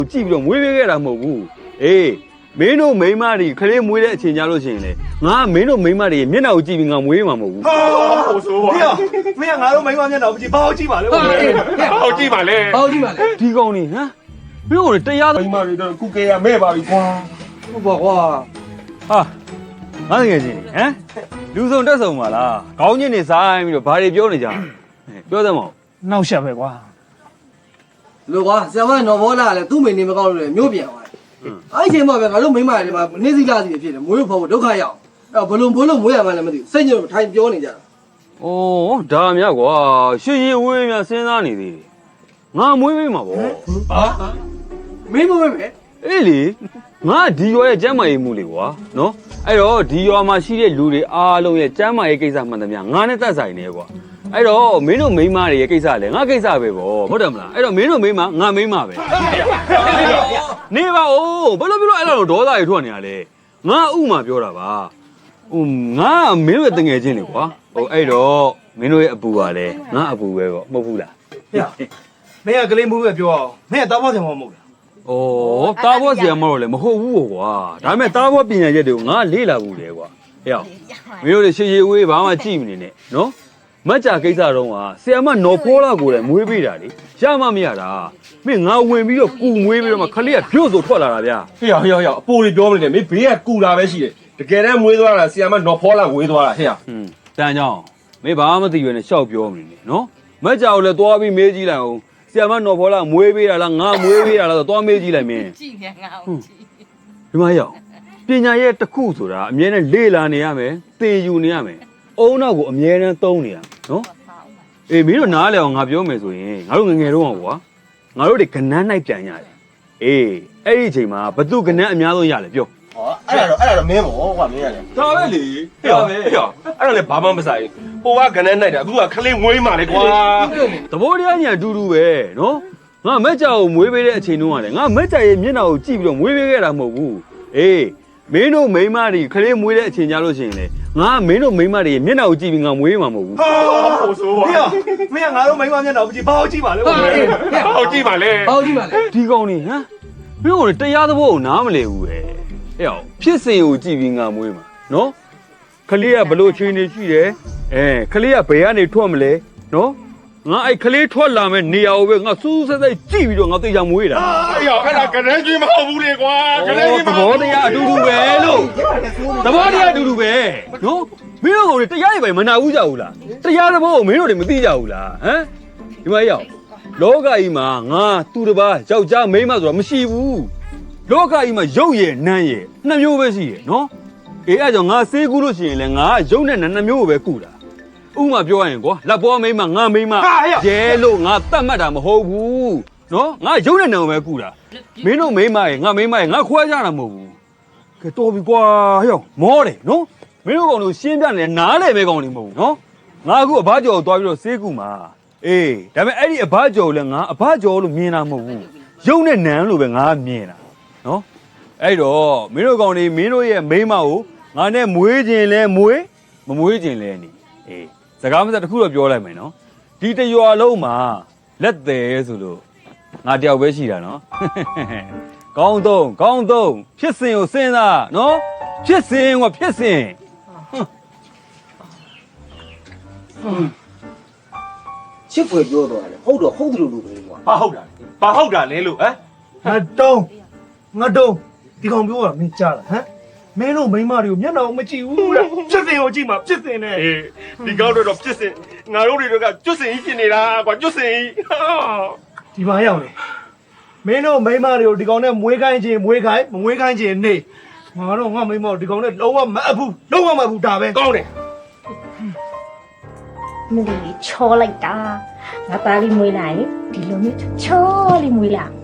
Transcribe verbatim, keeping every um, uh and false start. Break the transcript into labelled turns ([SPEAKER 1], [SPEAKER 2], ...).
[SPEAKER 1] ကြည့်ပြီးတော့မွေးပေးခဲ့တာမဟုတ်ဘူးအေးမင်းတို့မိန်းမတွေခလေးမွေးတဲ့အချိန်ကြလို့ရှိရင်လေငါမင်းတို့မိန်းမတွေမျက်နှာကိုကြည့်ပြီးငါမွေးမှာမဟုတ်ဘူး
[SPEAKER 2] ဟာဟိုဆိုပါမင်းကငါတို့မိန်းမမျက်နှာကိုကြည့်ဘာကိုကြည့်ပါလဲဘာကိုကြည့်ပါလဲ
[SPEAKER 3] ဘာကိုကြည့်ပါလဲ
[SPEAKER 1] ဒီကောင်နေဟမ်မင်းတို့တရား
[SPEAKER 2] မိန်းမတွေတော့ကုကေရမဲ့ပါပြီကွာ
[SPEAKER 3] ဟုတ်ပါကွာ
[SPEAKER 1] ဟာငါတကယ်ချင်းဟမ်လူစုံတက်ဆုံပါလားခေါင်းချင်းနေဆိုင်ပြီးတော့ဘာတွေပြောနေကြပြောသမော
[SPEAKER 2] နှောက်ရှက်ပဲကွာ
[SPEAKER 3] လို့ကွာဆရာမနော်ဘောလာလည်းသူ့မိနေမကောက်လို့လေမျိုးပြန်သွားတယ်အဲ့ဒီချိန်မှာပဲငါတို့မိမတွေမှာနေစည်းလာစီဖြစ်တယ်မွေးဖို့ဖို့ဒုက္ခရောက်အဲ့ဘလုံးဘလုံးမွေးရမှလည်းမသိဘူးစိတ်ညစ်ထိုင်ပြောနေကြတာ
[SPEAKER 1] ဩဒါများကွာရှည်ရည်ဝေးများစဉ်းစားနေသေးတယ်ငါမွေးပေးမှာဗော
[SPEAKER 3] ဟာမင်းမွေးပဲ
[SPEAKER 1] အေးလေငါဒီရွာရဲ့ကျမ်းမာရေးမှုလေကွာနော်အဲ့တော့ဒီရွာမှာရှိတဲ့လူတွေအားလုံးရဲ့ကျမ်းမာရေးကိစ္စမှန်သမျှငါနဲ့သက်ဆိုင်နေကွာအဲ့တော့မင်းတို့မိန်းမတွေရဲ့ကိစ္စလေငါကိစ္စပဲဗောဟုတ်တယ်မလားအဲ့တော့မင်းတို့မိန်းမငါမိန်းမပဲနေပါဦးဘယ်လိုပြောလို့အဲ့လိုဒေါသတွေထွက်နေရလဲငါဥမာပြောတာပါဟိုငါမင်းတို့ရဲ့တငယ်ချင်းလေကွာဟိုအဲ့တော့မင်းတို့ရဲ့အပူကလည်းငါအပူပဲဗောမဟုတ်ဘူးလား
[SPEAKER 2] ဟဲ့မင်းကကလေးမှုပဲပြောအောင်မင်းကတားဖို့ဆရာမမဟုတ်လား
[SPEAKER 1] ဩတားဖို့ဆရာမတော့လေမဟုတ်ဘူးကွာဒါပေမဲ့တားဖို့ပညာရက်တွေကိုငါလေ့လာဘူးလေကွာဟဲ့မင်းတို့လေရှည်ရှည်ဝေးဘာမှကြည့်မနေနဲ့နော်မကြကိစ္စတော့ကဆရာမနော်ဖိုးလာကိုလည်းမွေးပေးတာလေရမှမရတာမင်းငါဝင်ပြီးတော့ကူမွေးပြီးတော့မှခလေးကပြုတ်ဆိုထွက်လာတာဗျာ
[SPEAKER 2] ဟေ့ဟေ့ဟေ့အပိုးတွေပြောမနေနဲ့မင်းဘေးကကူတာပဲရှိတယ်တကယ်တမ်းမွေးသွားတာဆရာမနော်ဖိုးလာဝေးသွားတာဟဲ့ဟ
[SPEAKER 1] ွန်းတန်ကြောင်မင်းဘာမှမသိရွယ်နဲ့ရှောက်ပြောမနေနဲ့နော်မကြကိုလည်းသွားပြီးမေးကြည့်လိုက်အောင်ဆရာမနော်ဖိုးလာမွေးပေးတာလားငါမွေးပေးတာလားဆိုသွားမေးကြည့်လိုက်မင်း
[SPEAKER 4] ကြည့်နေငါ့ကိုကြည့်
[SPEAKER 1] ဒီမှာရောက်ပညာရဲ့တစ်ခုဆိုတာအမြဲတမ်းလေ့လာနေရမယ်သင်ယူနေရမယ်အုံနောက်ကိုအမြဲတမ်းသုံးနေရနော်အေးမင်းတို့နားလဲအောင်ငါပြောမယ်ဆိုရင်ငါတို့ငငယ်တော့ကွာငါတို့တွေကနန်းနိုင်ပြန်ရတယ်အေးအဲ့ဒီအချိန်မှာဘသူကနန်းအများဆုံးရလဲပြော
[SPEAKER 2] ဟောအဲ့ဒါတော့အဲ့ဒါတော့မင်းပေါ့ကွာမင်းရတယ်ဒါပဲလေဟေ့ဟေ့အဲ့ဒါလည်းဘာမှမဆိုင်ဟိုကကနန်းနိုင်တာအခုကခလေးမွေးမှလေကွာ
[SPEAKER 1] သဘောတရားညာအတူတူပဲနော်ငါမက်ကြောင်ကိုမွေးပေးတဲ့အချိန်တုန်းကလည်းငါမက်ကြောင်ရဲ့မျက်နှာကိုကြည့်ပြီးတော့မွေးပေးခဲ့တာမဟုတ်ဘူးအေးမင်းတို့မိန်းမတွေခလေးမွေးတဲ့အချိန်ကြလို့ရှိရင်လေငါမင်းတို့မိန်းမတွေရဲ့မျက်နှာကိုကြည့်ပြီးငါမွေးမှာမဟုတ်ဘူး
[SPEAKER 2] ဟာဟိုဆိုပါမင်းကငါတို့မိန်းမမျက်နှာကိုကြည့်ဘာကိုကြည့်ပါလဲဘာကိုကြည့်ပါလဲ
[SPEAKER 3] ဘာကိုကြည့်ပါလဲ
[SPEAKER 1] ဒီကောင်နေဟမ်မင်းတို့တရားသဘောကိုနားမလည်ဘူးပဲဟဲ့အောင်ဖြစ်စဉ်ကိုကြည့်ပြီးငါမွေးမှာနော်ခလေးကဘလို့ချင်းနေရှိတယ်အဲခလေးကဘယ်ကနေထွက်မလဲနော်ငါအဲ့ခလေးထွက်လာမဲ့နေရာကိုပဲငါစူးစက်စက်ကြည့်ပြီးတော့ငါသိချာမွေးတာ
[SPEAKER 2] အေးရောအဲ့ဒါကနန်းကြီးမဟုတ်ဘူးလေကွာကနန်းကြီး
[SPEAKER 1] သဘောတရားအတူတူပဲလို့သဘောတရားအတူတူပဲနော်မင်းတို့ကတရားတွေပဲမနာဘူးကြဘူးလားတရားသဘောကိုမင်းတို့တွေမသိကြဘူးလားဟမ်ဒီမှာရောက်လောကကြီးမှာငါသူတစ်ပါးယောက်ျားမိန်းမဆိုတာမရှိဘူးလောကကြီးမှာရုပ်ရည်နာမ်ရည်နှစ်မျိုးပဲရှိတယ်နော်အေးအဲ့ကြောင့်ငါစေးကူးလို့ရှိရင်လည်းငါရုပ်နဲ့နာမ်နှစ်မျိုးကိုပဲကူတာဥမာပြောရရင်ကွာလက်ပေါ်မိန်းမငါမိန်းမရဲလို့ငါတတ်မှတ်တာမဟုတ်ဘူးနော်ငါရုပ်နဲ့နာမ်ပဲကူတာမင်းတို့မိန်းမရေငါမိန်းမရေငါခွဲကြတာမဟုတ်ဘူးကဲတော်ပြီကွာဟဲ့မောတယ်နော်မင်းတို့ကောင်တို့ရှင်းပြနေနားလေပဲကောင်နေမဟုတ်ဘူးနော်ငါအခုအဘကျော်ကိုတွားပြီးတော့စေးကူမှာအေးဒါပေမဲ့အဲ့ဒီအဘကျော်ကိုလည်းငါအဘကျော်လို့မြင်တာမဟုတ်ဘူးရုပ်နဲ့နာမ်လို့ပဲငါမြင်တာနော်အဲ့တော့မင်းတို့ကောင်တွေမင်းတို့ရဲ့မိန်းမကိုငါနဲ့မွေးခြင်းလဲမွေးမမွေးခြင်းလဲနေအေးစကားမစတခုတော့ပြောလိုက်မယ်နော်ဒီတရွာလုံးမှာလက်သေးဆိုလို့ငါတယောက်ပဲရှိတာနော်ကောင်းသုံးကောင်းသုံးဖြစ်စဉ်ကိုစဉ်းစားနော်ဖြစ်စဉ်ကဖြစ်စဉ်
[SPEAKER 3] ချစ်ဖွယ်ပြောတော့တယ်ဟုတ်တော့ဟုတ်တယ်လို့လို့ပဲကွာ
[SPEAKER 2] ဘာဟုတ်တာဘာဟုတ်တာလဲလို့ဟမ်ငါတုံးငါတုံးဒီကောင်ပြောတာမင်းကြားလားဟမ်မင်းတို့မိန်းမတွေကိုမျက်နှာကိုမကြည့်ဘူးလားဖြစ်စဉ်ကိုကြည့်မှာဖြစ်စဉ်နဲ့အေးဒီကောက်တော့ဖြစ်စဉ်ငါတို့တွေကကျွတ်စင်ကြီးဖြစ်နေတာကွာကျွတ်စင်ကြီးဒီမှာရောက်နေမင်းတို့မိန်းမတွေကိုဒီကောင်နဲ့မွေးခိုင်းခြင်းမွေးခိုင်းမမွေးခိုင်းခြင်းနေငါတို့ငါမိန်းမတို့ဒီကောင်နဲ့လုံးဝမအပ်ဘူးလုံးဝမအပ်ဘူးဒါပဲကောင်းတယ်
[SPEAKER 5] မလီချောလိုက်တာငါသားလေးမွေးလာရင်ဒီလိုမျိုးချောလေးမွေးလာ